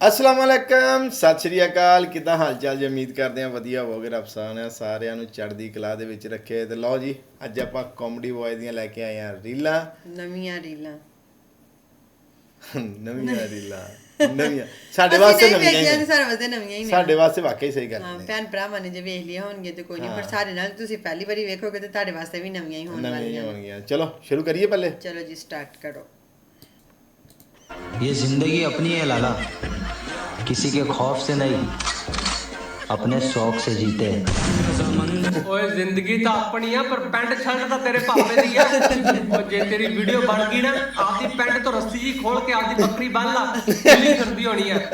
अस्सलाम वालेकुम सत श्री अकाल किदा हाल चाल जी उम्मीद करते हैं वधिया होवोगे रब साहब ने सारिਆਂ ਨੂੰ ਚੜ੍ਹਦੀ ਕਲਾ ਦੇ ਵਿੱਚ ਰੱਖੇ ਤੇ ਲਓ ਜੀ ਅੱਜ ਆਪਾਂ ਕਾਮੇਡੀ ਬॉय ਦੀਆਂ ਲੈ ਕੇ ਆਏ ਆ ਰੀਲਾਂ ਨਵੀਆਂ ਰੀਲਾਂ ਨਵੀਆਂ ਸਾਡੇ ਵਾਸਤੇ ਨਵੀਆਂ ਹੀ ਨੇ ਸਾਰੇ ਵਾਸਤੇ ਨਵੀਆਂ ਹੀ ਨੇ ਸਾਡੇ ਵਾਸਤੇ ਵਾਕਈ ਸਹੀ ਗੱਲ ਹਾਂ ਨੇ ਭੈਣ ਭਰਾਵਾਂ ਨੇ ਜੇ ਵੇਖ ਲਿਆ ਹੋਣਗੇ ਤੇ ਕੋਈ ਨਹੀਂ ਪਰ ਸਾਡੇ ਨਾਲ ਤੁਸੀਂ ਪਹਿਲੀ ਵਾਰੀ ਵੇਖੋਗੇ ਤੇ ਤੁਹਾਡੇ ਵਾਸਤੇ ਵੀ ਨਵੀਆਂ ਹੀ ਹੋਣ ਵਾਲੀਆਂ ਹੋਣਗੀਆਂ ਚਲੋ ਸ਼ੁਰੂ ਕਰੀਏ ਪਹਿਲੇ ਚਲੋ ਜੀ ਸਟਾਰਟ ਕਰੋ ये जिंदगी अपनी है लाला किसी के खौफ से नहीं अपने शौक से जीते ਓਏ ਜ਼ਿੰਦਗੀ ਤਾਂ ਆਪਣੀ ਆ ਪਰ ਪੈਂਟ ਸ਼ਰਟ ਤਾਂ ਤੇਰੇ ਭਾਵੇਂ ਦੀ ਆ ਉਹ ਜੇ ਤੇਰੀ ਵੀਡੀਓ ਬਣ ਗਈ ਨਾ ਆਪਦੀ ਪੈਂਟ ਤੋਂ ਰੱਸੀ ਜੀ ਖੋਲ ਕੇ ਆਪਦੀ ਬੱਕਰੀ ਬੰਨ ਲਾ ਕਿੱਲੀ ਕਰਦੀ ਹੋਣੀ ਆ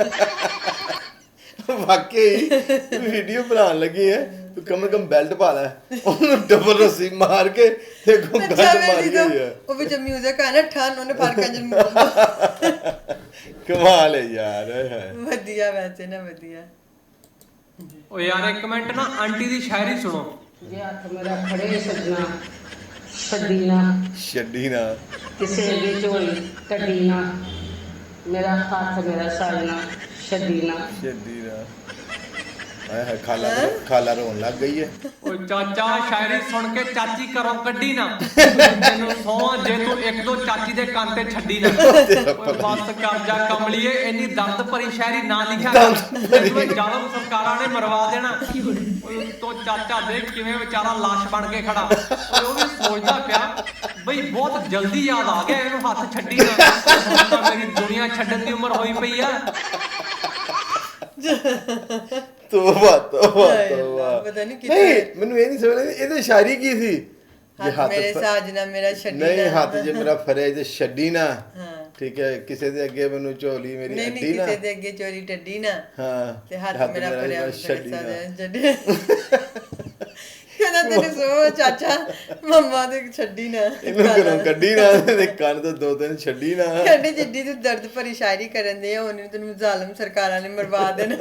ਵਾਕਈ ਵੀਡੀਓ ਬਣਾਉਣ ਲੱਗੀ ਹੈ ਤੂੰ ਕਮ ਬੈਲਟ ਪਾ ਲੈ ਉਹਨੂੰ ਡਬਲ ਰੱਸੀ ਮਾਰ ਕੇ ਤੇ ਗੰਗਾ ਮਾਰ ਗਈ ਹੈ ਉਹ ਵਿੱਚ ਮਿਊਜ਼ਿਕ ਆ ਨਾ ਠਾਨ ਉਹਨੇ ਫਰਕਾਂ ਜਨ ਕਮਾਲ ਹੈ ਯਾਰ ਵਧੀਆ ਵੈਸੇ ਨਾ ਵਧੀਆ ਓ ਯਾਰ ਇੱਕ ਮਿੰਟ ਨਾ ਆਂਟੀ ਦੀ ਸ਼ਾਇਰੀ ਸੁਣੋ ਜੇ ਹੱਥ ਮੇਰਾ ਫੜੇ ਸੱਜਣਾ ਛੱਡੀ ਨਾ ਛੱਡੀ ਨਾ ਕਿਸੇ ਦੀ ਝੋਲੀ ਕੱਢੀ ਨਾ ਮੇਰਾ ਹੱਥ ਮੇਰਾ ਸਾਜਣਾ ਛੱਡੀ ਨਾ ਛੱਡੀ ਨਾ ਆਏ ਖਾਲਾ ਰੋਣ ਲੱਗ ਗਈ ਹੈ ਓ ਚਾਚਾ ਸ਼ਾਇਰੀ ਸੁਣ ਕੇ ਚਾਚੀ ਘਰੋਂ ਕੱਢੀ ਨਾ ਤੈਨੂੰ ਸੌਂ ਜੇ ਤੂੰ ਇੱਕ ਦੋ ਚਾਚੀ ਦੇ ਕੰਨ ਤੇ ਛੱਡੀ ਨਾ ਓਏ ਬਸ ਕਰ ਜਾ ਕਮਲੀਏ ਇੰਨੀ ਦਰਦ ਭਰੀ ਸ਼ਾਇਰੀ ਨਾ ਲਿਖਿਆ ਕਰ ਜਾਲਮ ਸਰਕਾਰਾਂ ਨੇ ਮਰਵਾ ਦੇਣਾ ਓਏ ਤੋ ਚਾਚਾ ਦੇਖ ਕਿਵੇਂ ਵਿਚਾਰਾ ਲਾਸ਼ ਬਣ ਕੇ ਖੜਾ ਓਏ ਉਹ ਵੀ ਸੋਚਦਾ ਪਿਆ ਬਈ ਬਹੁਤ ਜਲਦੀ ਯਾਦ ਆ ਗਿਆ ਇਹਨੂੰ ਹੱਥ ਛੱਡੀ ਨਾ ਤਾਂ ਮੇਰੀ ਦੁਨੀਆ ਛੱਡਣ ਦੀ ਉਮਰ ਹੋਈ ਪਈ ਆ ਤੋਬਾ ਪਤਾ ਨਹੀਂ ਨਹੀਂ ਮੈਨੂੰ ਇਹ ਨਹੀਂ ਸਮਝ ਆਈ ਇਹਦੇ ਸ਼ਾਇਰੀ ਕੀ ਸੀ ਮੇਰੇ ਸਾਜਣਾ ਮੇਰਾ ਛੱਡੀ ਨਹੀਂ ਹੱਥ ਜੇ ਮੇਰਾ ਫਰੇ ਤੇ ਛੱਡੀ ਨਾ ਹਾਂ ਠੀਕ ਹੈ ਕਿਸੇ ਦੇ ਅੱਗੇ ਮੈਨੂੰ ਝੋਲੀ ਮੇਰੀ ਨਹੀਂ ਅੱਡੀ ਨਾ ਕਿਸੇ ਦੇ ਅੱਗੇ ਚੋਰੀ ਟੱਡੀ ਨਾ ਹਾਂ ਤੇ ਹੱਥ ਮੇਰਾ ਫਰਿਆ ਛੱਡੀ ਨਾ ਛੱਡੀ ਕਹਿੰਦਾ ਤੈਨੂੰ ਸੋ ਚਾਚਾ ਮੰਮਾ ਦੇ ਛੱਡੀ ਨਾ ਇਹਨੂੰ ਘਰੋਂ ਕੱਢੀ ਨਾ ਤੇ ਕੰਨ ਤੋਂ ਦੋ ਤਿੰਨ ਛੱਡੀ ਨਾ ਕਹਿੰਦੇ ਜਿੱਡੀ ਤੂੰ ਦਰਦ ਭਰੀ ਸ਼ਾਇਰੀ ਕਰਨ ਦੇ ਆ ਉਹਨੇ ਤੈਨੂੰ ਜ਼ਾਲਮ ਸਰਕਾਰਾਂ ਨੇ ਮਰਵਾ ਦੇਣਾ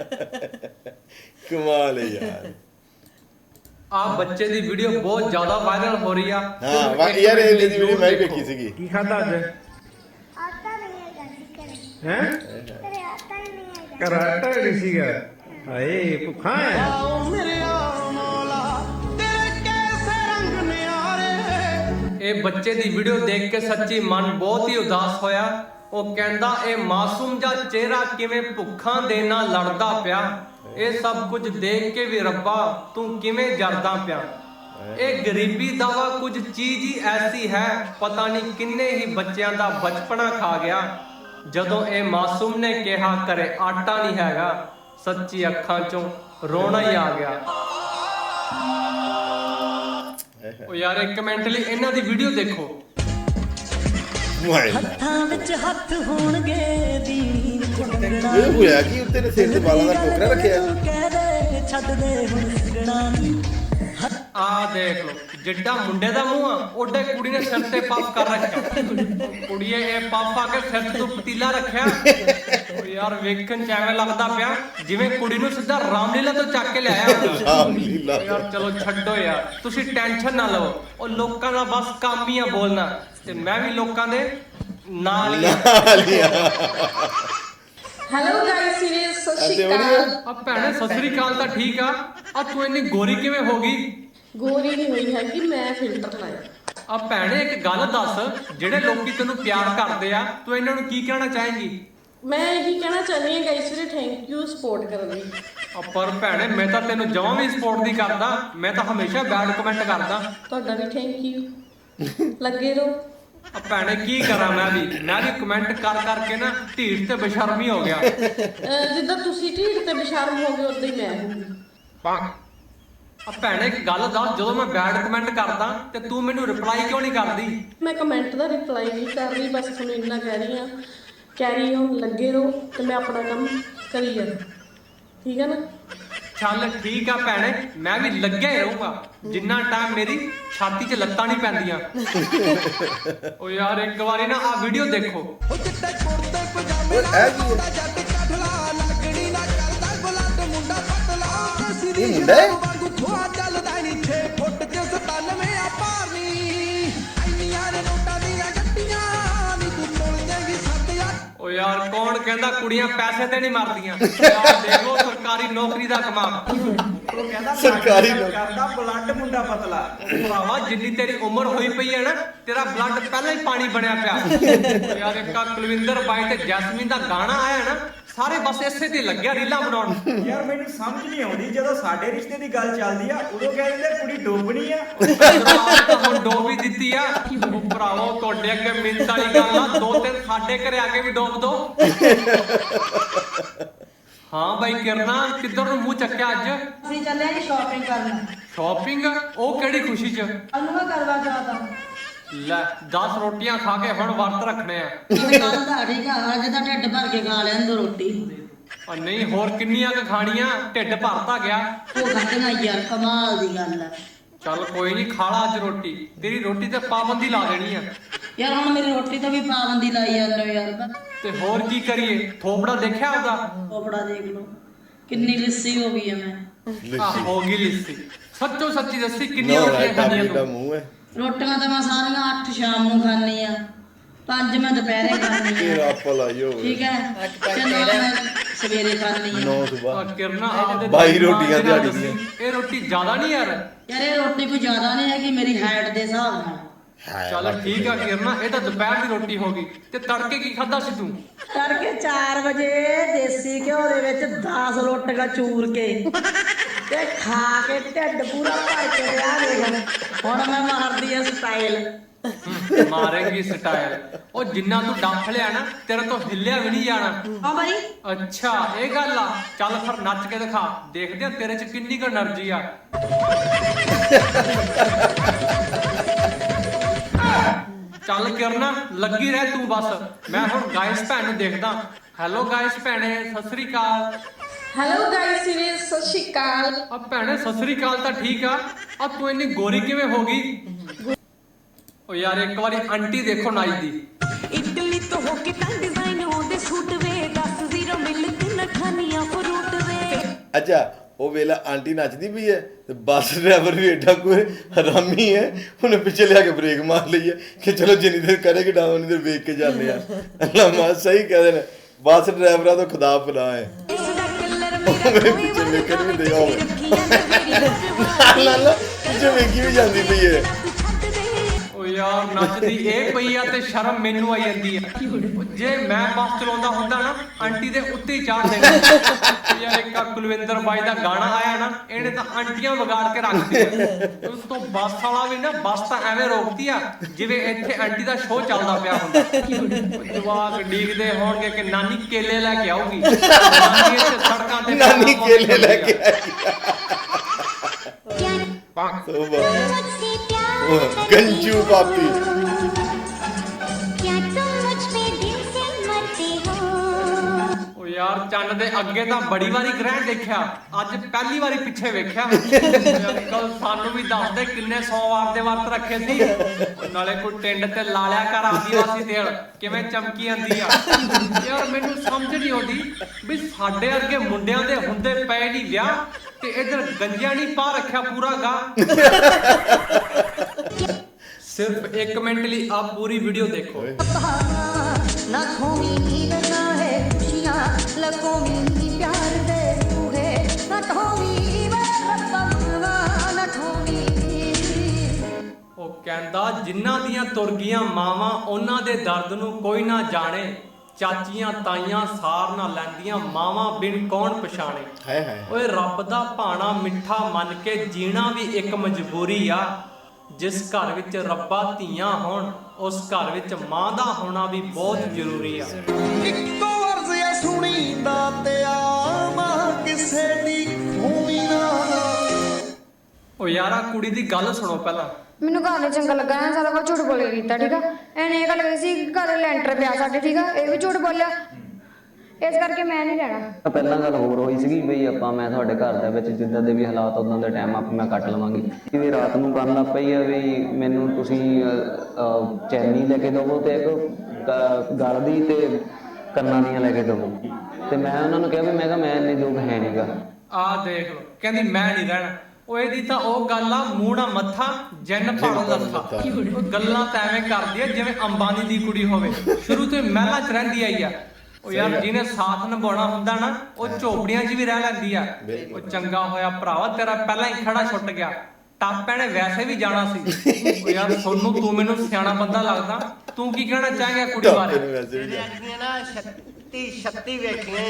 ਕਮਾਲ ਹੈ ਯਾਰ ਆ ਬੱਚੇ ਦੀ ਵੀਡੀਓ ਬਹੁਤ ਜ਼ਿਆਦਾ ਵਾਇਰਲ ਹੋ ਰਹੀ ਆ ਹਾਂ ਵਾਕਈ ਯਾਰ ਇਹ ਦੀ ਵੀਡੀਓ ਮੈਂ ਵੀ ਵੇਖੀ ਸੀਗੀ ਕੀ ਖਾਦਾ ਅੱਜ ਆਟਾ ਨਹੀਂ ਹੈਗਾ ਸੀ ਘਰੇ ਹੈ ਘਰੇ ਆਟਾ ਹੀ ਨਹੀਂ ਹੈਗਾ ਕਰਾਟਾ ਨਹੀਂ ਸੀਗਾ ਹਾਏ ਭੁੱਖਾ ਹੈ ਇਹ ਬੱਚੇ ਦੀ ਵੀਡੀਓ ਦੇਖ ਕੇ ਸੱਚੀ ਮਨ ਬਹੁਤ ਹੀ ਉਦਾਸ ਹੋਇਆ ਉਹ ਕਹਿੰਦਾ ਇਹ ਮਾਸੂਮ ਜਿਹਾ ਚਿਹਰਾ ਕਿਵੇਂ ਭੁੱਖਾਂ ਦੇ ਨਾਲ ਲੜਦਾ ਪਿਆ ਇਹ ਸਭ ਕੁਝ ਦੇਖ ਕੇ ਵੀ ਰੱਬਾ ਤੂੰ ਕਿਵੇਂ ਜਰਦਾ ਪਿਆ ਇਹ ਗਰੀਬੀ ਦਾ ਵਾ ਕੁਝ ਚੀਜ਼ ਹੀ ਐਸੀ ਹੈ ਪਤਾ ਨਹੀਂ ਕਿੰਨੇ ਹੀ ਬੱਚਿਆਂ ਦਾ ਬਚਪਨਾ ਖਾ ਗਿਆ ਜਦੋਂ ਇਹ ਮਾਸੂਮ ਨੇ ਕਿਹਾ ਕਰੇ ਆਟਾ ਨਹੀਂ ਹੈਗਾ ਸੱਚੀ ਅੱਖਾਂ ਚੋਂ ਰੋਣਾ ਹੀ ਆ ਗਿਆ ਉਹ ਯਾਰ ਇੱਕ ਮਿੰਟ ਲਈ ਇਹਨਾਂ ਦੀ ਵੀਡੀਓ ਦੇਖੋ ਹੱਥਾਂ ਵਿੱਚ ਹੱਥ ਹੋਣਗੇ ਦੀ ਇਹ ਹੋਇਆ ਕਿ ਉੱਤੇ ਨੇ ਸਿਰ ਤੇ ਵਾਲਾਂ ਦਾ ਟੋਕਰਾ ਰੱਖਿਆ ਕਹਦੇ ਛੱਡ ਦੇ ਹੁਣ ਸਿਰਣਾ ਆ ਦੇਖ ਲੋ ਜਿੱਡਾ ਮੁੰਡੇ ਦਾ ਮੂੰਹ ਆ ਓਡੇ ਕੁੜੀ ਨੇ ਸਿਰ ਤੇ ਪੱਫ ਕਰ ਰੱਖਿਆ ਕੁੜੀਏ ਇਹ ਪੱਫ ਆ ਕੇ ਸਿਰ ਤੋਂ ਪਤੀਲਾ ਰੱਖਿਆ ਓ ਯਾਰ ਵੇਖਣ ਚ ਐਵੇਂ ਲੱਗਦਾ ਪਿਆ ਜਿਵੇਂ ਕੁੜੀ ਨੂੰ ਸਿੱਧਾ ਰਾਮਲੀਲਾ ਤੋਂ ਚੱਕ ਕੇ ਲਿਆਇਆ ਰਾਮਲੀਲਾ ਯਾਰ ਚਲੋ ਛੱਡੋ ਯਾਰ ਤੁਸੀਂ ਟੈਨਸ਼ਨ ਨਾ ਲਓ ਉਹ ਲੋਕਾਂ ਦਾ ਬਸ ਕੰਮ ਹੀ ਆ ਬੋਲਣਾ ਤੇ ਮੈਂ ਵੀ ਲੋਕਾਂ ਦੇ ਨਾਲ ਹੀ ਹੈਲੋ ਗਾਇਸ ਸੀਰੀਅਸ ਸਤਿ ਸ਼੍ਰੀ ਅਕਾਲ ਆ ਭੈਣੇ ਸਤਿ ਸ੍ਰੀ ਅਕਾਲ ਤਾਂ ਠੀਕ ਆ ਤੂੰ ਇੰਨੀ ਗੋਰੀ ਕਿਵੇਂ ਹੋ ਗਈ ਗੋਰੀ ਨਹੀਂ ਹੋਈ ਹੈਗੀ ਮੈਂ ਫਿਲਟਰ ਲਾਇਆ ਆ ਭੈਣੇ ਇੱਕ ਗੱਲ ਦੱਸ ਜਿਹੜੇ ਲੋਕੀ ਤੈਨੂੰ ਪਿਆਰ ਕਰਦੇ ਆ ਤੂੰ ਇਹਨਾਂ ਨੂੰ ਕੀ ਕਹਿਣਾ ਚਾਹੇਂਗੀ ਮੈਂ ਇਹੀ ਕਹਿਣਾ ਚਾਹੁੰਦੀ ਹਾਂ ਗਾਇਸ ਵੀਰੇ ਥੈਂਕ ਯੂ ਸਪੋਰਟ ਕਰਨ ਲਈ ਪਰ ਭੈਣੇ ਮੈਂ ਤਾਂ ਤੈਨੂੰ ਜਮਾਂ ਵੀ ਸਪੋਰਟ ਨਹੀਂ ਕਰਦਾ ਮੈਂ ਤਾਂ ਹਮੇਸ਼ਾ ਬੈਡ ਕਮੈਂਟ ਕਰਦਾ ਤੁਹਾਡਾ ਵੀ ਥੈਂਕ ਯੂ ਲੱਗੇ ਰਹੋ ਆ ਭੈਣੇ ਕੀ ਕਰਾਂ ਮੈਂ ਵੀ ਕਮੈਂਟ ਕਰ ਕਰਕੇ ਨਾ ਢੀਠ ਤੇ ਬੇਸ਼ਰਮੀ ਹੋ ਗਿਆ ਜਿੱਦਾਂ ਤੁਸੀਂ ਢੀਠ ਤੇ ਬੇਸ਼ਰਮ ਹੋ ਗਏ ਉਦਾਂ ਹੀ ਮੈਂ ਹੋਊਂਗੀ ਆ ਭੈਣੇ ਇੱਕ ਗੱਲ ਦੱਸ ਜਦੋਂ ਮੈਂ ਬੈਡ ਕਮੈਂਟ ਕਰਦਾ ਤੇ ਤੂੰ ਮੈਨੂੰ ਰਿਪਲਾਈ ਕਿਉਂ ਨਹੀਂ ਕਰਦੀ ਮੈਂ ਕਮੈਂਟ ਦਾ ਰਿਪਲਾਈ ਨਹੀਂ ਕਰ ਰਹੀ ਬਸ ਤੁਹਾਨੂੰ ਇੰਨਾ ਕਹਿ ਰਹੀ ਹਾਂ ਕੈਰੀ ਔਨ ਲੱਗੇ ਰਹੋ ਤੇ ਮੈਂ ਆਪਣਾ ਕੰਮ ਕਰੀ ਜਾਣਾ ਠੀਕ ਹੈ ਨਾ ਚੱਲ ਠੀਕ ਆ ਭੈਣੇ ਮੈਂ ਵੀ ਲੱਗਿਆ ਹੀ ਰਹੂੰਗਾ ਜਿੰਨਾ ਟਾਈਮ ਮੇਰੀ ਛਾਤੀ 'ਚ ਲੱਤਾਂ ਨਹੀਂ ਪੈਂਦੀਆਂ ਓ ਯਾਰ ਇੱਕ ਵਾਰੀ ਨਾ ਆ ਵੀਡੀਓ ਦੇਖੋ ਇਹ ਮੁੰਡਾ ਹੈ ਓ ਯਾਰ ਕੌਣ ਹੁਣ ਕਹਿੰਦਾ ਕੁੜੀਆਂ ਪੈਸੇ ਤੇ ਨਹੀਂ ਮਰਦੀਆਂ। ਆਹ ਦੇਖੋ ਸਰਕਾਰੀ ਨੌਕਰੀ ਦਾ ਕਮਾਲ। ਉਹ ਕਹਿੰਦਾ ਸਰਕਾਰੀ ਕਰਦਾ ਬਲੱਡ ਮੁੰਡਾ ਪਤਲਾ। ਭਰਾਵਾ ਜਿੰਨੀ ਤੇਰੀ ਉਮਰ ਹੋਈ ਪਈ ਹੈ ਨਾ ਤੇਰਾ ਬਲੱਡ ਪਹਿਲਾਂ ਹੀ ਪਾਣੀ ਬਣਿਆ ਪਿਆ। ਯਾਰ ਇੱਕ ਕੁਲਵਿੰਦਰ ਬਾਈ ਤੇ ਜੈਸਮੀਨ ਦਾ ਗਾਣਾ ਆਇਆ ਨਾ ਸਾਰੇ ਬਸ ਇਸੇ ਤੇ ਲੱਗਿਆ ਰੀਲਾਂ ਬਣਾਉਣ। ਯਾਰ ਮੈਨੂੰ ਸਮਝ ਨਹੀਂ ਆਉਂਦੀ ਜਦੋਂ ਸਾਡੇ ਰਿਸ਼ਤੇ ਦੀ ਗੱਲ ਚੱਲਦੀ ਆ ਉਦੋਂ ਕਹਿ ਦਿੰਦੇ ਕੁੜੀ ਡੋਬਣੀ ਆ। ਤਾਂ ਹੁਣ ਡੋਬ ਹੀ ਦਿੱਤੀ ਆ। ਉਹ ਭਰਾਵਾ ਤੁਹਾਡੇ ਅੱਗੇ ਮਿੰਟ ਵਾਲੀ ਗੱਲ ਆ 2-3 ਸਾਡੇ ਘਰੇ ਆ ਕੇ ਵੀ ਡੋਬ ਦੋ। ਹਾਂ ਬਾਈ ਕਿਰਨਾ ਕਿੱਧਰ ਨੂੰ ਮੂੰਹ ਚੱਕਿਆ ਅੱਜ? ਅਸੀਂ ਚੱਲੇ ਆ ਸ਼ਾਪਿੰਗ ਕਰਨ। ਸ਼ਾਪਿੰਗ? ਉਹ ਕਿਹੜੀ ਖੁਸ਼ੀ ਚ? ਅਨੁਭਵ ਕਰਵਾ ਚਾਹਤਾ। ਲੈ 10 ਰੋਟੀਆਂ ਖਾ ਕੇ ਹੁਣ ਵਰਤ ਰੱਖਣੇ ਆ। ਕੱਲ ਦਾ ਠੀਕ ਆ, ਅੱਜ ਦਾ ਢਿੱਡ ਭਰ ਕੇ ਖਾ ਲੈਣ ਦੋ ਰੋਟੀ। ਆ ਨਹੀਂ ਹੋਰ ਕਿੰਨੀਆਂ ਕੁ ਖਾਣੀਆਂ? ਢਿੱਡ ਭਰਤਾ ਗਿਆ। ਉਹ ਖਾਣਾ ਯਾਰ ਕਮਾਲ ਦੀ ਗੱਲ ਆ। ਚੱਲ ਕੋਈ ਨਹੀਂ ਖਾ ਲਾ ਅੱਜ ਰੋਟੀ। ਤੇਰੀ ਰੋਟੀ ਤੇ ਪਾਬੰਦੀ ਲਾ ਦੇਣੀ ਆ। ਯਾਰ ਹੁਣ ਮੇਰੀ ਰੋਟੀ ਤੋਂ ਵੀ ਪਾਬੰਦੀ ਲਾਈ ਜਾਂਦੇ ਹੋ ਯਾਰ। ਤੇ ਹੋਰ ਕੀ ਕਰੀਏ? ਥੋਪੜਾ ਦੇਖਿਆ ਉਹਦਾ? ਕੋਪੜਾ ਦੇਖ ਲਓ ਕਿੰਨੀ ਲਿੱਸੀ ਹੋ ਗਈ ਆ ਮੈਂ। ਆ ਹੋ ਗਈ ਲਿੱਸੀ। ਸੱਚੋ ਸੱਚੀ ਦੱਸੀ ਕਿੰਨੀਆਂ ਨਾ ਰੋਟੀਆਂ ਖਾਣੀਆਂ ਦਾ ਤੂੰ? ਮੂੰਹ ਹੈ ਰੋਟੀਆਂ ਤਾਂ ਮੈਂ ਸਾਰੀਆਂ 8 ਸ਼ਾਮ ਨੂੰ ਖਾਣੀ ਆ, 5 ਮੈਂ ਦੁਪਹਿਰੇ ਖਾਣੀ ਆ। ਤੇਰਾ ਭਲਾ ਹੀ ਹੋਵੇ। ਠੀਕ ਹੈ ਤੇ ਨਾਲ ਮੈਂ ਸਵੇਰੇ ਖਾਣੀ ਆ। 9 ਆ ਸੁਬਾ ਕਿਰਨਾ ਆਪਦੇ 22 ਰੋਟੀਆਂ ਦਿਹਾੜੀ ਦੀਆਂ। ਇਹ ਰੋਟੀ ਜ਼ਿਆਦਾ ਨਹੀਂ ਯਾਰ? ਯਾਰ ਇਹ ਰੋਟੀ ਕੋਈ ਜ਼ਿਆਦਾ ਨਹੀਂ ਹੈਗੀ ਮੇਰੀ ਹਾਈਟ ਦੇ ਹਿਸਾਬ ਨਾਲ। ਚੱਲ ਠੀਕ ਆ ਕਿਰਨਾ ਇਹ ਤਾਂ ਦੁਪਹਿਰ ਦੀ ਰੋਟੀ ਹੋ ਗਈ। ਤੇ ਤੜਕੇ ਕੀ ਖਾਦਾ ਸੀ ਤੂੰ? ਤੜਕੇ 4 ਵਜੇ ਦੇਸੀ ਘਿਓ ਦੇ ਵਿੱਚ 10 ਰੋਟੀਆਂ ਚੂਰ ਕੇ ਤੇ ਖਾ ਕੇ ਢਿੱਡ ਪੂਰਾ ਭਰ ਕੇ ਵਿਆਹ ਦੇਖ। ਹੁਣ ਮੈਂ ਮਾਰਦੀ ਆ ਸਟਾਈਲ। ਮਾਰੇਂਗੀ ਸਟਾਈਲ। ਉਹ ਜਿੰਨਾ ਤੂੰ ਡੱਫ ਲਿਆ ਨਾ ਤੇਰੇ ਤੋਂ ਹਿੱਲਿਆ ਵੀ ਨਹੀਂ ਜਾਣਾ। ਹਾਂ ਬਾਈ ਅੱਛਾ ਇਹ ਗੱਲ ਆ। ਚੱਲ ਫਿਰ ਨੱਚ ਕੇ ਦਿਖਾ, ਦੇਖਦੇ ਆ ਤੇਰੇ ਚ ਕਿੰਨੀ ਕੁ એનર્ਜੀ ਆ। ਚੱਲ ਕਿਰਨਾ ਲੱਗੀ ਰਹਿ ਤੂੰ ਬਸ। ਮੈਂ ਹੁਣ ਗਾਇਸ ਭੈਣ ਨੂੰ ਦੇਖਦਾ। ਹੈਲੋ ਗਾਇਸ ਭੈਣੇ ਸਤਿ ਸ੍ਰੀ ਅਕਾਲ। ਹੈਲੋ ਗਾਇਸ ਵੀਰੇ ਸਤਿ ਸ਼੍ਰੀ ਅਕਾਲ। ਆ ਭੈਣੇ ਸਤਿ ਸ੍ਰੀ ਅਕਾਲ ਤਾਂ ਠੀਕ ਆ। ਆ ਤੂੰ ਇੰਨੀ ਗੋਰੀ ਕਿਵੇਂ ਹੋ ਗਈ? ਓ ਯਾਰ ਇੱਕ ਵਾਰੀ ਆਂਟੀ ਦੇਖੋ ਨਾਈ ਦੀ। ਇਟਲੀ ਤੋਂ ਹੋ ਕੇ ਤਾਂ ਡਿਜ਼ਾਈਨ ਉਹਦੇ ਸੂਟ ਵੇ 10 0 ਮਿਲ ਤਿੰਨ ਖਾਨੀਆਂ ਫਰੂਟ ਵੇ। ਅੱਛਾ ਉਹ ਵੇਲਾ ਆਂਟੀ ਨੱਚਦੀ ਪਈ ਹੈ ਤੇ ਬੱਸ ਡਰਾਈਵਰ ਵੀ ਏਡਾ ਕੋਈ ਹਰਾਮੀ ਹੈ ਉਹਨੇ ਪਿੱਛੇ ਲਿਆ ਕੇ ਬ੍ਰੇਕ ਮਾਰ ਲਈ ਹੈ ਕਿ ਚਲੋ ਜਿੰਨੀ ਦੇਰ ਕਰੇਗੀ ਡਾਊਨ ਉਨੀ ਦੇਰ ਵੇਖ ਕੇ ਜਾਂਦੇ ਆ। ਅੱਲਾ ਮਾ ਸਹੀ ਕਹਿੰਦੇ ਨੇ ਬੱਸ ਡਰਾਈਵਰਾਂ ਤੋਂ ਖੁਦਾ ਪਨਾ ਹੈ। ਇਸ ਦਾ ਕਲਰ ਮੇਰਾ ਕੋਈ ਪਿੱਛੇ ਵੇਖਣ ਵੀ ਦੇ ਆਓ ਰੱਖੀਆਂ ਨੇ ਮੇਰੀ ਲਾਲਾ ਪਿੱਛੇ ਵੇਖੀ ਵੀ ਜਾਂਦੀ ਪਈ ਹੈ। ਓ ਯਾਰ ਨੱਚਦੀ ਇਹ ਪਈ ਆ ਤੇ ਸ਼ਰਮ ਮੈਨੂੰ ਆਈ ਜਾਂਦੀ ਆ। ਜੇ ਮੈਂ ਬੱਸ ਚਲਾਉਂਦਾ ਹੁੰਦਾ ਨਾ ਆਂਟੀ ਦੇ ਉੱਤੇ ਹੀ ਚਾੜ ਦੇਣਾ। ਯਾਰ ਇੱਕ ਕੁਲਵਿੰਦਰ ਬਾਈ ਦਾ ਗਾਣਾ ਆਇਆ ਨਾ ਇਹਨੇ ਤਾਂ ਆਂਟੀਆਂ ਵਿਗਾੜ ਕੇ ਰੱਖਦੀ। ਉਸ ਤੋਂ ਬੱਸ ਵਾਲਾ ਵੀ ਨਾ ਬੱਸ ਤਾਂ ਐਵੇਂ ਰੋਕਦੀ ਆ ਜਿਵੇਂ ਇੱਥੇ ਆਂਟੀ ਦਾ ਸ਼ੋਅ ਚੱਲਦਾ ਪਿਆ ਹੁੰਦਾ। ਜਵਾਕ ਡੀਕਦੇ ਹੋਣਗੇ ਕਿ ਨਾਨੀ ਕੇਲੇ ਲੈ ਕੇ ਆਊਗੀ। ਨਾਨੀ ਇੱਥੇ ਸੜਕਾਂ ਤੇ ਨਾਨੀ ਕੇਲੇ ਲੈ ਕੇ ਆਈ। मुझसे प्यार गंजू पापी क्या तुम मुझ पे दिल से मरते हो? ਓ ਯਾਰ ਚੰਨ ਦੇ ਅੱਗੇ ਤਾਂ ਬੜੀ ਵਾਰੀ ਗ੍ਰਹਿਣ ਦੇਖਿਆ, ਅੱਜ ਪਹਿਲੀ ਵਾਰੀ ਪਿੱਛੇ ਵੇਖਿਆ। ਅੰਕਲ ਸਾਨੂੰ ਵੀ ਦੱਸ ਦੇ ਕਿੰਨੇ 100 ਵਾਰ ਦੇ ਵਰਤ ਰੱਖੇ ਸੀ। ਨਾਲੇ ਕੋਈ ਟਿੰਡ ਤੇ ਲਾ ਲਿਆ ਕਰ ਆਦੀਵਾਸੀ ਤੇਲ ਕਿਵੇਂ ਚਮਕੀ ਜਾਂਦੀ ਆ। ਯਾਰ ਮੈਨੂੰ ਸਮਝ ਨਹੀਂ ਆਉਂਦੀ ਵੀ ਸਾਡੇ ਵਰਗੇ ਮੁੰਡਿਆਂ ਦੇ ਹੁੰਦੇ ਪਏ ਨਹੀਂ ਵਿਆਹ ਤੇ ਇਧਰ ਗੰਜਿਆਂ ਨਹੀਂ ਪਾ ਰੱਖਿਆ ਪੂਰਾ ਗਾ। ਸਿਰਫ 1 ਮਿੰਟ ਲਈ ਆਪ ਪੂਰੀ ਵੀਡੀਓ ਦੇਖੋ। लाखों में नींद ना है खुशियाँ लाखों में प्यार दे तू है लाखों में लाखों में। ਉਹ ਕਹਿੰਦਾ ਜਿਨ੍ਹਾਂ ਦੀਆਂ ਤੁਰ ਗਈਆਂ ਮਾਵਾਂ ਉਹਨਾਂ ਦੇ ਦਰਦ ਨੂੰ ਕੋਈ ਨਾ ਜਾਣੇ। ਚਾਚੀਆਂ ਤਾਈਆਂ ਸਾਰ ਨਾ ਲੈਂਦੀਆਂ ਮਾਵਾਂ ਬਿਨ ਕੌਣ ਪਛਾਣੇ। ਹਾਏ ਹਾਏ ਓਏ ਰੱਬ ਦਾ ਭਾਣਾ ਮਿੱਠਾ ਮੰਨ ਕੇ ਜੀਣਾ ਵੀ ਇੱਕ ਮਜਬੂਰੀ ਆ। ਜਿਸ ਘਰ ਵਿੱਚ ਰੱਬਾ ਧੀਆਂ ਹੋਣ ਉਸ ਘਰ ਵਿੱਚ ਮਾਂ ਦਾ ਹੋਣਾ ਵੀ ਬਹੁਤ ਜ਼ਰੂਰੀ ਆ। ਇੱਕੋ ਅਰਜ਼ ਆ ਸੁਣੀ ਦਾ ਤੇ ਆ ਮਾਂ ਕਿਸੇ ਦੀ ਹੋਵੀ ਨਾ। ਓ ਯਾਰਾ ਕੁੜੀ ਦੀ ਗੱਲ ਸੁਣੋ ਪਹਿਲਾਂ। ਮੈਨੂੰ ਘਰ ਨਹੀਂ ਚੰਗਾ ਲੱਗਾ ਸਾਰਾ ਕੁਝ ਝੂਠ ਬੋਲ ਕੇ ਕੀਤਾ। ਠੀਕ ਆ ਇਹਨੇ ਇਹ ਗੱਲ ਕਹੀ ਸੀ ਕਿ ਘਰ ਲੈਂਟਰ ਪਿਆ ਸਾਡੇ। ਠੀਕ ਆ ਇਹ ਵੀ ਝੂਠ ਬੋਲਿਆ ਇਸ ਕਰਕੇ ਮੈਂ ਨਹੀਂ ਲੈਣਾ। ਪਹਿਲਾਂ ਗੱਲ ਹੋਰ ਹੋਈ ਸੀਗੀ ਬਈ ਮੈਂ ਤੁਹਾਡੇ ਘਰ ਦੇ ਵਿੱਚ ਜਿੱਦਾਂ ਦੇ ਵੀ ਹਾਲਾਤ ਉਦਾਂ ਦੇ ਟਾਈਮ ਮੈਂ ਕੱਟ ਲਵਾਂਗੀ। ਵੀ ਰਾਤ ਨੂੰ ਕਰਨ ਲੱਗ ਪਈ ਆ ਵੀ ਮੈਨੂੰ ਤੁਸੀਂ ਚੈਨੀ ਲੈ ਕੇ ਦੇਵੋ ਤੇ ਇੱਕ ਗਲ ਦੀ ਤੇ ਕੰਨਾਂ ਦੀਆਂ ਲੈ ਕੇ ਦੇਵੋ। ਤੇ ਮੈਂ ਉਹਨਾਂ ਨੂੰ ਕਿਹਾ ਵੀ ਮੈਂ ਕਿਹਾ ਮੈਂ ਇੰਨੇ ਯੋਗ ਹੈ ਨਹੀਂਗਾ। ਆਹ ਦੇਖ ਲਓ ਕਹਿੰਦੀ ਮੈਂ ਨਹੀਂ ਰਹਿਣਾ। ਉਹ ਇਹਦੀ ਤਾਂ ਉਹ ਗੱਲ ਆ ਮੂੰਹ ਨਾ ਮੱਥਾ ਜਿੰਨ ਭਾੜਾ ਲੱਥਾ। ਉਹ ਗੱਲਾਂ ਤਾਂ ਐਵੇਂ ਕਰਦੀ ਆ ਜਿਵੇਂ ਅੰਬਾਨੀ ਦੀ ਕੁੜੀ ਹੋਵੇ। ਸ਼ੁਰੂ ਤੋਂ ਮਹਿਲਾਂ 'ਚ ਰਹਿੰਦੀ ਆਈ ਆ ਉਹ ਯਾਰ ਜਿਹਨੇ ਸਾਥ ਨਿਭਾਉਣਾ ਹੁੰਦਾ ਨਾ ਉਹ ਝੋਪੜੀਆਂ 'ਚ ਵੀ ਰਹਿ ਲੈਂਦੀ ਆ। ਉਹ ਚੰਗਾ ਹੋਇਆ ਭਰਾਵਾ ਤੇਰਾ ਪਹਿਲਾਂ ਹੀ ਖੜਾ ਛੁੱਟ ਗਿਆ, ਟਾਪਿਆਂ ਨੇ ਵੈਸੇ ਵੀ ਜਾਣਾ ਸੀ। ਉਹ ਯਾਰ ਸੋਨੂੰ ਤੂੰ ਮੈਨੂੰ ਸਿਆਣਾ ਬੰਦਾ ਲੱਗਦਾ, ਤੂੰ ਕੀ ਕਹਿਣਾ ਚਾਹੇਂਗਾ ਕੁੜੀ ਬਾਰੇ? ਨਾ 36 ਵੇਖੀਆਂ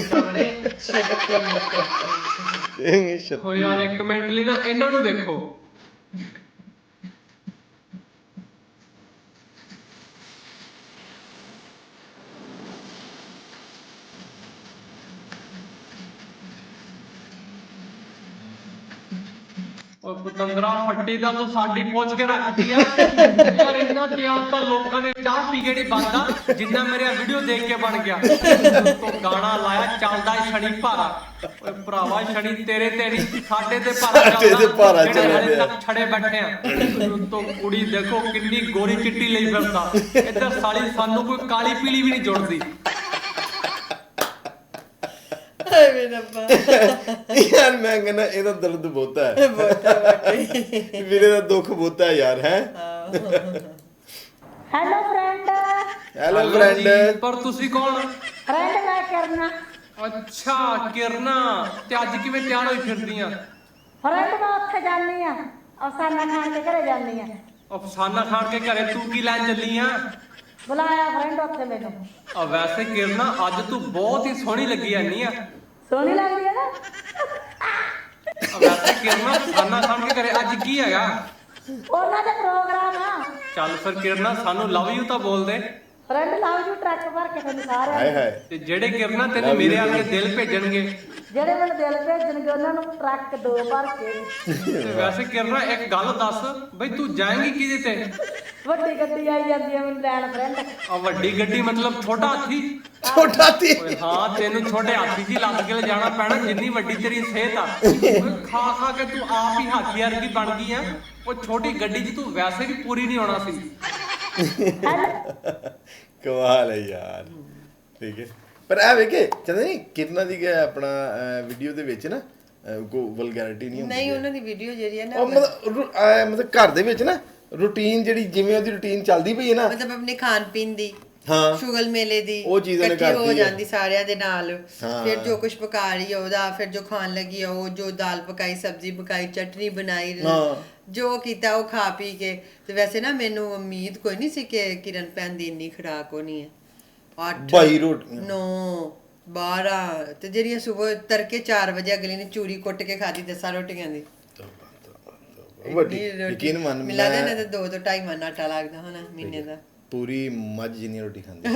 ਹੋ ਯਾਰ ਇੱਕ ਮਿੰਟ ਲਈ ਨਾ ਇਹਨਾਂ ਨੂੰ ਦੇਖੋ। ਉਹ ਪਤੰਦਰਾ ਫੱਟੀ ਦਾ ਤੂੰ ਸਾਡੀ ਪੁੱਛ ਕੇ ਰੱਖਦੀ ਆ ਯਾਰ। ਇੰਨਾ ਧਿਆਨ ਤਾਂ ਲੋਕਾਂ ਨੇ ਚਾਹ ਪੀ ਕੇ ਨਹੀਂ ਬਣਦਾ ਜਿੰਨਾ ਮੇਰੇ ਵੀਡੀਓ ਦੇਖ ਕੇ ਬਣ ਗਿਆ। ਤੂੰ ਗਾਣਾ ਲਾਇਆ ਚੱਲਦਾ ਸ਼ਨੀ ਭਾਰਾ। ਓਏ ਭਰਾਵਾ ਸ਼ਨੀ ਤੇਰੇ ਤੇ ਨਹੀਂ ਸਾਡੇ ਤੇ ਭਾਰਾ ਚੱਲਦਾ, ਜਿਹੜੇ ਹਲੇ ਤੱਕ ਛੜੇ ਬੈਠੇ ਆ। ਤੂੰ ਕੁੜੀ ਦੇਖੋ ਕਿੰਨੀ ਗੋਰੀ ਚਿੱਟੀ ਲਈ ਫਿਰਦਾ, ਇੱਧਰ ਸਾਲੀ ਸਾਨੂੰ ਕੋਈ ਕਾਲੀ ਪੀਲੀ ਵੀ ਨਹੀਂ ਜੁੜਦੀ। यार मैं कहना ਇਹਦਾ ਦਰਦ ਬਹੁਤਾ ਹੈ, ਵੀਰੇ ਦਾ ਦੁੱਖ ਬਹੁਤਾ ਹੈ ਯਾਰ। ਹੈ ਹੈਲੋ ਫਰੈਂਡ। Hello friend. ਪਰ ਤੁਸੀਂ ਕੌਣ? ਫਰੈਂਡ ਮੈਂ ਕਰਨਾ। ਅੱਛਾ ਕਿਰਨਾ, ਤੇ ਅੱਜ ਕਿਵੇਂ ਤਿਆਰ ਹੋਈ ਫਿਰਦੀ ਆ? ਫਰੈਂਡ ਮੈਂ ਉੱਥੇ ਜਾਂਦੀ ਆ, ਅਫਸਾਨਾ ਖਾਨ ਦੇ ਘਰੇ ਜਾਂਦੀ ਆ। ਅਫਸਾਨਾ ਖਾਨ ਕੇ ਘਰੇ ਤੂੰ ਕੀ ਲੈਣ ਚੱਲੀ ਆ? ਬੁਲਾਇਆ ਫਰੈਂਡ ਉੱਥੇ ਮੈਨੂੰ। ਆ ਵੈਸੇ ਕਿਰਨਾ ਅੱਜ ਤੂੰ ਬਹੁਤ ਹੀ ਸੋਹਣੀ ਲੱਗੀ ਐਨੀ ਆ। ਸੋਹਣੀ ਲੱਗਦੀ ਹੈ ਨਾ? ਵੈਸੇ ਕਿਰਨਾ ਅਫਸਾਨਾ ਖਾਨ ਕੇ ਘਰੇ ਅੱਜ ਕੀ ਹੈਗਾ? ਉਹਨਾਂ ਦਾ ਪ੍ਰੋਗਰਾਮ ਆ। ਚੱਲ ਫਿਰ ਕਿਰਨਾ ਸਾਨੂੰ ਲਵ ਯੂ ਤਾਂ ਬੋਲ ਦੇ। ਫਰੈਂਡ ਲਵ ਯੂ ਟਰੱਕ ਭਰ ਕੇ ਤੁਹਾਨੂੰ ਸਾਰਿਆਂ ਹਾਏ ਹਾਏ। ਤੇ ਜਿਹੜੇ ਕਿਰਨਾ ਤੈਨੂੰ ਮੇਰੇ ਆ ਕੇ ਦਿਲ ਭੇਜਣਗੇ, ਜਿਹੜੇ ਮੈਨੂੰ ਦਿਲ ਭੇਜਣਗੇ ਉਹਨਾਂ ਨੂੰ ਟਰੱਕ 2 ਭਰ ਕੇ। ਤੇ ਵੈਸੇ ਕਿਰਨਾ ਇੱਕ ਗੱਲ ਦੱਸ ਬਈ ਤੂੰ ਜਾਏਂਗੀ ਕਿਹਦੇ ਤੇ? ਵੱਡੀ ਗੱਡੀ ਆਈ ਜਾਂਦੀ ਹੈ ਮੈਨੂੰ ਲੈਣ ਫਰੈਂਡ। ਆ ਵੱਡੀ ਗੱਡੀ ਮਤਲਬ ਛੋਟਾ ਹਾਥੀ? ਛੋਟਾ ਹਾਥੀ? ਓਏ ਹਾਂ ਤੈਨੂੰ ਛੋਟੇ ਹਾਥੀ ਦੀ ਲੱਦ ਕੇ ਲਿਜਾਣਾ ਪੈਣਾ ਜਿੰਨੀ ਵੱਡੀ ਤੇਰੀ ਸਿਹਤ ਆ। ਓਏ ਖਾ ਖਾ ਕੇ ਤੂੰ ਆਪ ਹੀ ਹਾਥੀ ਵਰਗੀ ਬਣ ਗਈ ਆ। ਉਹ ਛੋਟੀ ਗੱਡੀ 'ਚ ਤੂੰ ਵੈਸੇ ਵੀ ਪੂਰੀ ਨਹੀਂ ਆਉਣਾ ਸੀ। ਕਮਾਲ ਹੈ ਯਾਰ। ਠੀਕ ਹੈ ਪਰ ਇਹ ਵੇਖੇ ਚੰਦਾ ਨਹੀਂ ਕਿਰਨਾ ਦੀ ਆਪਣਾ ਵੀਡੀਓ ਦੇ ਵਿੱਚ ਨਾ ਕੋਈ ਵਲਗੈਰਿਟੀ ਨਹੀਂ ਹੁੰਦੀ। ਨਹੀਂ ਉਹਨਾਂ ਦੀ ਵੀਡੀਓ ਜਿਹੜੀ ਹੈ ਨਾ ਉਹ ਮਤਲਬ ਘਰ ਦੇ ਵਿੱਚ ਨਾ ਰੂਟੀਨ ਜਿਹੜੀ ਜਿਵੇਂ ਉਹਦੀ ਰੂਟੀਨ ਚੱਲਦੀ ਪਈ ਹੈ ਨਾ, ਮਤਲਬ ਆਪਣੇ ਖਾਣ ਪੀਣ ਦੀ, ਹਾਂ ਸ਼ੁਗਲ ਮੇਲੇ ਦੀ ਉਹ ਚੀਜ਼ ਉਹਨੇ ਇਕੱਠੀ ਹੋ ਕਰਤੀ ਹੈ। ਜਾਂਦੀ ਸਾਰਿਆਂ ਦੇ ਨਾਲ। ਫਿਰ ਜੋ ਕੁਝ ਪਕਾ ਰਹੀ ਹੈ ਉਹਦਾ, ਫਿਰ ਜੋ ਖਾਣ ਲੱਗੀ ਉਹ, ਜੋ ਦਾਲ ਪਕਾਈ, ਸਬਜ਼ੀ ਪਕਾਈ, ਚਟਨੀ ਬਣਾਈ, ਜੋ ਕੀਤਾ ਉਹ ਖਾ ਪੀ ਕੇ। ਤੇ ਵੈਸੇ ਨਾ ਮੈਨੂੰ ਉਮੀਦ ਕੋਈ ਨਹੀਂ ਸੀ ਕਿ ਕਿਰਨ ਭੈਣ ਦੀ ਇੰਨੀ ਖੁਰਾਕ ਹੋਣੀ ਹੈ। 8 22 ਰੋਟੀਆਂ 9 12 ਤੇ ਜਿਹੜੀਆਂ ਸਵੇਰ ਤੜਕੇ 4 ਵਜੇ ਅਗਲੀ ਨੇ ਚੂਰੀ ਕੁੱਟ ਕੇ ਖਾਦੀ 10 ਰੋਟੀਆਂ ਦੀ। ਵੱਡੀ ਯਕੀਨ ਮੰਨ ਮਿਲਾ ਦੇ ਨਾ ਤੇ 2 ਤੋਂ 2.5 ਮਣ ਆਟਾ ਲੱਗਦਾ ਹੋਣਾ ਮਹੀਨੇ ਦਾ। ਪੂਰੀ ਮੱਝ ਜਿੰਨੀ ਰੋਟੀ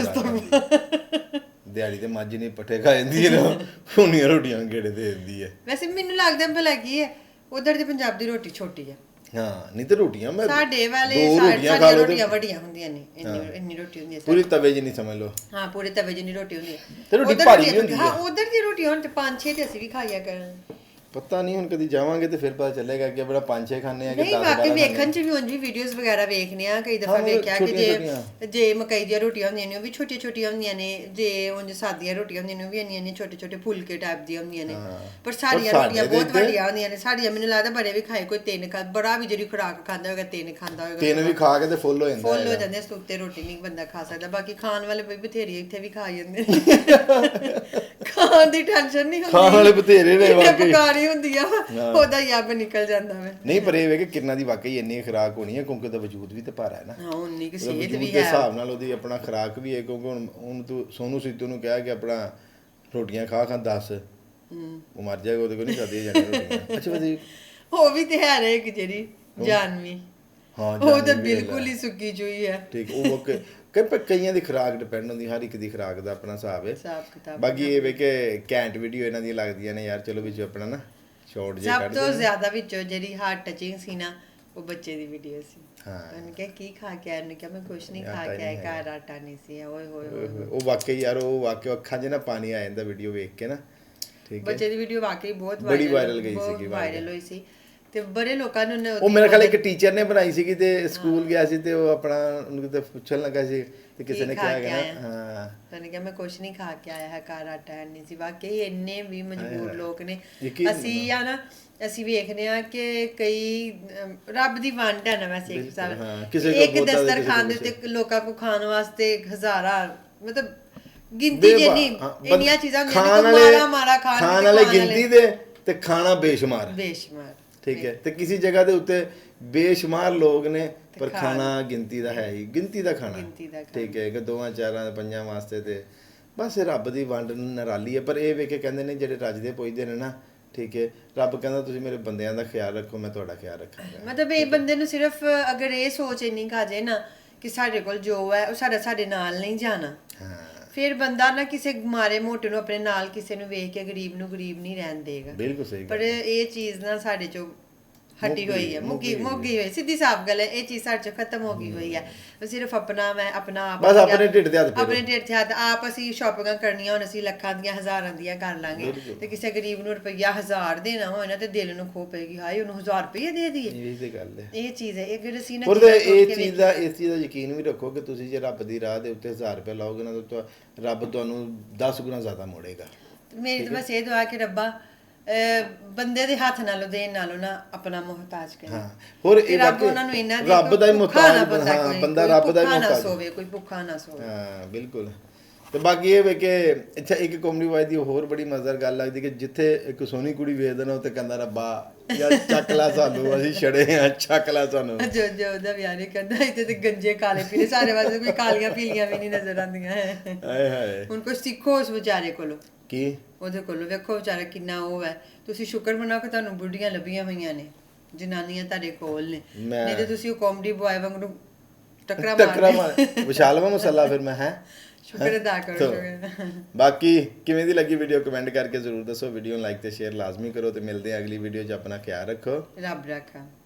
ਖਾਂਦੀ ਦਿਹਾੜੀ ਤੇ ਮੱਝ ਨਹੀਂ ਪੱਠੇ ਖਾ ਜਾਂਦੀ ਹੈ ਨਾ, ਉਹਨੀਆਂ ਰੋਟੀਆਂ ਗੇੜੇ ਦੇ ਦਿੰਦੀ ਹੈ। ਵੈਸੇ ਮੈਨੂੰ ਲੱਗਦਾ ਭਲਾ ਕੀ ਹੈ ਉਧਰ ਦੀ ਪੰਜਾਬ ਦੀ ਰੋਟੀ ਛੋਟੀ ਹੈ। ਹਾਂ ਨਹੀਂ ਤੇ ਰੋਟੀਆਂ ਮੈਂ ਸਾਡੇ ਵਾਲੇ ਸਾਡੀਆਂ ਰੋਟੀਆਂ ਵੱਡੀਆਂ ਹੁੰਦੀਆਂ ਨੇ, ਇੰਨੀ ਰੋਟੀ ਹੁੰਦੀ ਹੈ ਪੂਰੀ ਤਵੇ ਜਿੰਨੀ ਸਮਝ ਲਓ। ਹਾਂ ਪੂਰੇ ਤਵੇ ਜਿੰਨੀ ਰੋਟੀ ਹੁੰਦੀ ਹੈ ਤੇ ਰੋਟੀ ਭਾਰੀ ਵੀ ਹੁੰਦੀ ਹੈ। ਹਾਂ ਉਧਰ ਦੀ ਰੋਟੀ ਹੁਣ ਤੇ 5-6 ਤੇ ਅਸੀਂ ਵੀ ਖਾਈਆ ਕਰਨ। ਪਤਾ ਨਹੀਂ ਹੁਣ ਕਦੀ ਜਾਵਾਂਗੇ ਤੇ ਫਿਰ ਪਤਾ ਚੱਲੇਗਾ ਕਿ ਬੜਾ 5-6 ਖਾਣੇ ਆ ਕਿ 10 ਨਹੀਂ ਬਾਕੀ ਵੇਖਣ ਚ ਵੀ ਉਂਝ ਵੀ ਵੀਡੀਓਜ਼ ਵਗੈਰਾ ਵੇਖਨੇ ਆ। ਕਈ ਦਫਾ ਵੇਖਿਆ ਕਿ ਜੇ ਮਕਈ ਦੀਆਂ ਰੋਟੀਆਂ ਹੁੰਦੀਆਂ ਨੇ ਉਹ ਵੀ ਛੋਟੀਆਂ ਛੋਟੀਆਂ ਹੁੰਦੀਆਂ ਨੇ, ਜੇ ਉਂਝ ਸਾਦੀਆਂ ਰੋਟੀਆਂ ਹੁੰਦੀਆਂ ਨੇ ਉਹ ਵੀ ਇੰਨੀਆਂ ਛੋਟੇ ਛੋਟੇ ਫੁਲਕੇ ਟਾਈਪ ਦੀਆਂ ਹੁੰਦੀਆਂ ਨੇ। ਪਰ ਸਾਡੀਆਂ ਰੋਟੀਆਂ ਬਹੁਤ ਵੱਡੀਆਂ ਹੁੰਦੀਆਂ ਨੇ। ਸਾਡੀਆਂ ਮੈਨੂੰ ਲੱਗਦਾ ਬੜੇ ਵੀ ਖਾਏ ਕੋਈ 3 ਖਾ, ਬੜਾ ਵੀ ਜਿਹੜੀ ਖੁਰਾਕ ਖਾਂਦਾ ਹੋਏਗਾ 3 ਖਾਂਦਾ ਹੋਏਗਾ। 3 ਵੀ ਖਾ ਕੇ ਤੇ ਫੁੱਲ ਹੋ ਜਾਂਦਾ। ਫੁੱਲ ਹੋ ਜਾਂਦੇ ਇਸ ਉੱਤੇ ਰੋਟੀ ਨਹੀਂ ਬੰਦਾ ਖਾ ਸਕਦਾ। ਬਾਕੀ ਖਾਣ ਵਾਲੇ ਵੀ ਬਥੇਰੀ ਇੱਥੇ ਵੀ ਖਾ ਜਾਂਦੇ ਖਾਣ ਦੀ ਟੈਨਸ਼ਨ ਨਹੀਂ ਹੁੰਦੀ, ਖਾਣ ਵਾਲੇ ਬਥੇਰੇ ਨੇ ਵਾਕਈ ਪਕਾਣੀ ਹੁੰਦੀ ਆ ਉਹਦਾ ਹੀ ਆਪ ਨਿਕਲ ਜਾਂਦਾ ਵੇ। ਨਹੀਂ ਪਰ ਇਹ ਵੇ ਕਿ ਕਿਰਨਾ ਦੀ ਵਾਕਈ ਇੰਨੀ ਖੁਰਾਕ ਹੋਣੀ ਹੈ ਕਿਉਂਕਿ ਉਹਦਾ ਵਜੂਦ ਵੀ ਤੇ ਭਾਰਾ ਹੈ ਨਾ। ਹਾਂ ਉਨੀ ਕਿ ਸਿਹਤ ਵੀ ਹੈ ਹਿਸਾਬ ਨਾਲ ਉਹਦੀ ਆਪਣਾ ਖੁਰਾਕ ਵੀ ਹੈ ਕਿਉਂਕਿ ਹੁਣ ਤੂੰ ਸੋਨੂ ਸੀਤੂ ਨੂੰ ਕਿਹਾ ਕਿ ਆਪਣਾ ਰੋਟੀਆਂ ਖਾ 10 ਉਹ ਮਰ ਜਾਏਗਾ, ਉਹਦੇ ਕੋਲ ਨਹੀਂ ਖਾਧੀਆਂ ਜਾਣੀਆਂ ਰੋਟੀਆਂ। ਅੱਛਾ ਵਧੀਆ ਉਹ ਵੀ ਤੇ ਹੈ ਇੱਕ ਜਿਹੜੀ ਜਾਨਵੀ, ਹਾਂ ਉਹ ਤਾਂ ਬਿਲਕੁਲ ਹੀ ਸੁੱਕੀ ਚੋਈ ਹੈ। ਠੀਕ ਉਹ ਕਈਆਂ ਦੀ ਖੁਰਾਕ ਡਿਪੈਂਡ ਹੁੰਦੀ, ਹਰ ਇੱਕ ਦੀ ਖੁਰਾਕ ਦਾ ਆਪਣਾ ਹਿਸਾਬ ਹੈ। ਬਾਕੀ ਇਹ ਵੇ ਕਿ ਘੈਂਟ ਵੀਡੀਓ ਇਹਨਾਂ ਦੀਆਂ ਲੱਗਦੀਆਂ ਨੇ ਯਾਰ। ਚਲੋ ਵਿੱਚ ਆਪਣਾ ਨਾ ਸ਼ਾਰਟ ਜਿਹਾ ਕੱਢ ਦੇ। ਸਭ ਤੋਂ ਜ਼ਿਆਦਾ ਵਿੱਚੋਂ ਜਿਹੜੀ ਹਾਰਟ ਟਚਿੰਗ ਸੀ ਨਾ ਉਹ ਬੱਚੇ ਦੀ ਵੀਡੀਓ ਸੀ। ਹਾਂ ਉਹਨੇ ਕਿਹਾ ਕੀ ਖਾ ਕੇ ਆਇਆ? ਉਹਨੇ ਕਿਹਾ ਮੈਂ ਕੁਛ ਨਹੀਂ ਖਾ ਕੇ ਆਇਆ, ਘਰ ਆਟਾ ਨਹੀਂ ਸੀ। ਓਏ ਹੋਏ ਉਹ ਵਾਕਈ ਯਾਰ ਉਹ ਵਾਕਈ ਅੱਖਾਂ 'ਚ ਨਾ ਪਾਣੀ ਆ ਜਾਂਦਾ ਵੀਡੀਓ ਵੇਖ ਕੇ ਨਾ। ਠੀਕ ਹੈ ਬੱਚੇ ਦੀ ਵੀਡੀਓ ਵਾਕਈ ਬਹੁਤ ਬੜੀ ਵਾਇਰਲ ਗਈ ਸੀਗੀ, ਵਾਇਰਲ ਹੋਈ ਸੀ ਤੇ ਬੜੇ ਲੋਕਾਂ ਨੇ ਉਹ ਮੇਰੇ ਖਿਆਲ ਇੱਕ ਟੀਚਰ ਨੇ ਬਣਾਈ ਸੀਗੀ ਤੇ ਸਕੂਲ ਗਿਆ ਸੀ ਤੇ ਉਹ ਆਪਣਾ ਉਹਨੂੰ ਕਿਤੇ ਪੁੱਛਣ ਲੱਗਾ ਸੀ ਤੇ ਕਿਸੇ ਨੇ ਕਿਹਾ ਕਿ ਹਾਂ ਉਹਨੇ ਕਿਹਾ ਮੈਂ ਕੁਛ ਨਹੀਂ ਖਾ ਕੇ ਆਇਆ ਹੈ, ਘਰ ਆਟਾ ਨਹੀਂ ਸੀ। ਵਾਕਈ ਇੰਨੇ ਵੀ ਮਜਬੂਰ ਲੋਕ ਨੇ। ਅਸੀਂ ਆ ਨਾ ਅਸੀਂ ਵੇਖਦੇ ਆ ਕਿ ਕਈ ਰੱਬ ਦੀ ਵੰਡ ਹੈ ਨਾ ਵੈਸੇ ਇੱਕ ਹਿਸਾਬ। ਇੱਕ ਦਸਤਰਖਾਨ ਦੇ ਉੱਤੇ ਲੋਕਾਂ ਕੋ ਖਾਣ ਵਾਸਤੇ ਹਜ਼ਾਰਾਂ ਮਤਲਬ ਗਿਣਤੀ ਜੇ ਨਹੀਂ ਇੰਨੀਆਂ ਚੀਜ਼ਾਂ ਹੁੰਦੀਆਂ ਨੇ ਮਾੜਾ ਮਾੜਾ ਖਾਣ ਵਾਲੇ ਗਿਣਤੀ ਦੇ ਤੇ ਖਾਣਾ ਬੇਸ਼ੁਮਾਰ ਠੀਕ ਹੈ। ਤੇ ਕਿਸੇ ਜਗ੍ਹਾ ਦੇ ਉੱਤੇ ਬੇਸ਼ੁਮਾਰ ਲੋਕ ਨੇ ਪਰ ਖਾਣਾ ਗਿਣਤੀ ਦਾ ਹੈ ਹੀ, ਗਿਣਤੀ ਦਾ ਖਾਣਾ ਠੀਕ ਹੈ ਕਿ 2 4 5 ਵਾਸਤੇ ਤੇ ਬਸ ਰੱਬ ਦੀ ਵੰਡ ਨਿਰਾਲੀ ਹੈ। ਪਰ ਇਹ ਵੇਖ ਕੇ ਕਹਿੰਦੇ ਨੇ ਜਿਹੜੇ ਰੱਜਦੇ ਪੁੱਜਦੇ ਨੇ ਨਾ ਠੀਕ ਹੈ, ਰੱਬ ਕਹਿੰਦਾ ਤੁਸੀਂ ਮੇਰੇ ਬੰਦਿਆਂ ਦਾ ਖਿਆਲ ਰੱਖੋ, ਮੈਂ ਤੁਹਾਡਾ ਖਿਆਲ ਰੱਖਾਂਗਾ। ਮਤਲਬ ਇਹ ਬੰਦੇ ਨੂੰ ਸਿਰਫ ਅਗਰ ਇਹ ਸੋਚ ਇੰਨੀ ਕਾ ਜੇ ਨਾ ਕਿ ਸਾਡੇ ਕੋਲ ਜੋ ਹੈ ਉਹ ਸਾਡੇ ਨਾਲ ਨਹੀਂ ਜਾਣਾ, ਫਿਰ ਬੰਦਾ ਨਾ ਕਿਸੇ ਮਾਰੇ ਮੋਟੇ ਨੂੰ ਆਪਣੇ ਨਾਲ ਕਿਸੇ ਨੂੰ ਵੇਖ ਕੇ ਗਰੀਬ ਨੂੰ ਗਰੀਬ ਨਹੀਂ ਰਹਿਣ ਦੇਗਾ। ਬਿਲਕੁਲ ਸਹੀ। ਪਰ ਇਹ ਚੀਜ਼ ਨਾ ਸਾਡੇ ਚੋਂ ਹਟੀ ਹੋਈ ਹੈ, ਮੁੱਕੀ ਹੋਈ, ਸਿੱਧੀ ਸਾਫ਼ ਗੱਲ ਹੈ, ਇਹ ਚੀਜ਼ ਸਾਡੇ ਚੋਂ ਖਤਮ ਹੋ ਗਈ ਹੋਈ ਹੈ। ਸਿਰਫ ਆਪਣਾ ਮੈਂ ਆਪਣਾ ਆਪ ਬਸ ਆਪਣੇ ਢਿੱਡ ਤੇ ਹੱਥ ਆਪਣੇ ਢਿੱਡ ਤੇ ਹੱਥ ਆਪ ਅਸੀਂ ਸ਼ਾਪਿੰਗਾਂ ਕਰਨੀਆਂ ਹੁਣ ਅਸੀਂ ਲੱਖਾਂ ਦੀਆਂ ਹਜ਼ਾਰਾਂ ਦੀਆਂ ਕਰ ਲਾਂਗੇ ਤੇ ਕਿਸੇ ਗਰੀਬ ਨੂੰ ਰੁਪਈਆ 1000 ਦੇਣਾ ਹੋਏ ਨਾ ਤੇ ਦਿਲ ਨੂੰ ਖੋ ਪਏਗੀ, ਹਾਏ ਉਹਨੂੰ 1000 ਰੁਪਈਆ ਦੇ ਦਈਏ। ਇਹ ਤੇ ਗੱਲ ਹੈ, ਇਹ ਚੀਜ਼ ਹੈ। ਇਹ ਜਿਹੜੇ ਸੀ ਨਾ ਇਹ ਚੀਜ਼ ਦਾ ਯਕੀਨ ਵੀ ਰੱਖੋ ਕਿ ਤੁਸੀਂ ਜੇ ਰੱਬ ਦੀ ਰਾਹ ਦੇ ਉੱਤੇ 1000 ਰੁਪਏ ਲਾਓਗੇ ਨਾ ਤਾਂ ਰੱਬ ਤੁਹਾਨੂੰ 10 ਗੁਣਾ ਜ਼ਿਆਦਾ ਮੋੜੇਗਾ। ਮੇਰੀ ਤਾਂ ਬਸ ਇਹ ਦੁਆ ਕਿ ਰੱਬਾ ਬੰਦੇ ਦੇ ਹੱਥ ਨਾਲੋਂ ਦੇਣ ਨਾਲੋਂ ਨਾ ਆਪਣਾ ਮੁਹਤਾਜ ਕਰੇ। ਹਾਂ ਹੋਰ ਇਹ ਰੱਬ ਉਹਨਾਂ ਨੂੰ ਇੰਨਾ ਦੇ ਰੱਬ ਦਾ ਹੀ ਮੁਹਤਾਜ ਬੰਦਾ ਰੱਬ ਦਾ ਹੀ ਮੁਹਤਾਜ ਸੋਵੇ, ਕੋਈ ਭੁੱਖਾ ਨਾ ਸੋਵੇ। ਹਾਂ ਬਿਲਕੁਲ। ਤੇ ਬਾਕੀ ਇਹ ਵੇ ਕਿ ਅੱਛਾ ਇੱਕ ਕਾਮੇਡੀ ਵਾਈਜ਼ ਦੀ ਹੋਰ ਬੜੀ ਮਜ਼ੇਦਾਰ ਗੱਲ ਲੱਗਦੀ ਕਿ ਜਿੱਥੇ ਇੱਕ ਸੋਹਣੀ ਕੁੜੀ ਵੇਖਦਾ ਨਾ ਉੱਥੇ ਕਹਿੰਦਾ ਰੱਬਾ ਯਾਰ ਚੱਕ ਲਾ ਸਾਨੂੰ, ਅਸੀਂ ਛੜੇ ਆ, ਚੱਕ ਲਾ ਸਾਨੂੰ। ਜੋ ਉਹਦਾ ਵਿਆਹ ਨਹੀਂ ਕਰਦਾ ਇੱਥੇ ਤੇ ਗੰਜੇ ਕਾਲੇ ਪੀਲੇ ਸਾਰੇ ਵਾਸਤੇ ਕੋਈ ਕਾਲੀਆਂ ਪੀਲੀਆਂ ਵੀ ਨਹੀਂ ਨਜ਼ਰ ਆਉਂਦੀਆਂ। ਹਾਏ ਹਾਏ ਹੁਣ ਕੁਝ ਸਿੱਖੋ ਉਸ ਵਿਚਾਰੇ ਕੋਲੋਂ। ਕੀ ਉਹਦੇ ਕੋਲੋਂ ਵੇਖੋ ਵਿਚਾਰਾ ਕਿੰਨਾ ਉਹ ਹੈ। ਤੁਸੀਂ ਸ਼ੁਕਰ ਮਨਾਓ ਕਿ ਤੁਹਾਨੂੰ ਬੁੱਢੀਆਂ ਲੱਭੀਆਂ ਹੋਈਆਂ ਨੇ, ਜਨਾਨੀਆਂ ਤੁਹਾਡੇ ਕੋਲ ਨੇ, ਨਹੀਂ ਤੇ ਤੁਸੀਂ ਉਹ ਕਾਮੇਡੀ ਬੁਆਏ ਵਾਂਗੂ ਟੱਕਰਾ ਮਾਰ ਵਿਸ਼ਾਲਵਾ ਮਸਲਾ। ਫਿਰ ਮੈਂ ਹੈ ਸ਼ੁਕਰ ਅਦਾ ਕਰੋ। ਬਾਕੀ ਕਿਵੇਂ ਦੀ ਲੱਗੀ ਵੀਡੀਓ ਕਮੈਂਟ ਕਰਕੇ ਜ਼ਰੂਰ ਦੱਸੋ। ਵੀਡੀਓ ਨੂੰ ਲਾਈਕ ਤੇ ਸ਼ੇਅਰ ਲਾਜ਼ਮੀ ਕਰੋ ਤੇ ਮਿਲਦੇ ਆ ਅਗਲੀ ਵੀਡੀਓ 'ਚ। ਆਪਣਾ ਖਿਆਲ ਰੱਖੋ, ਰੱਬ ਰੱਖਾ।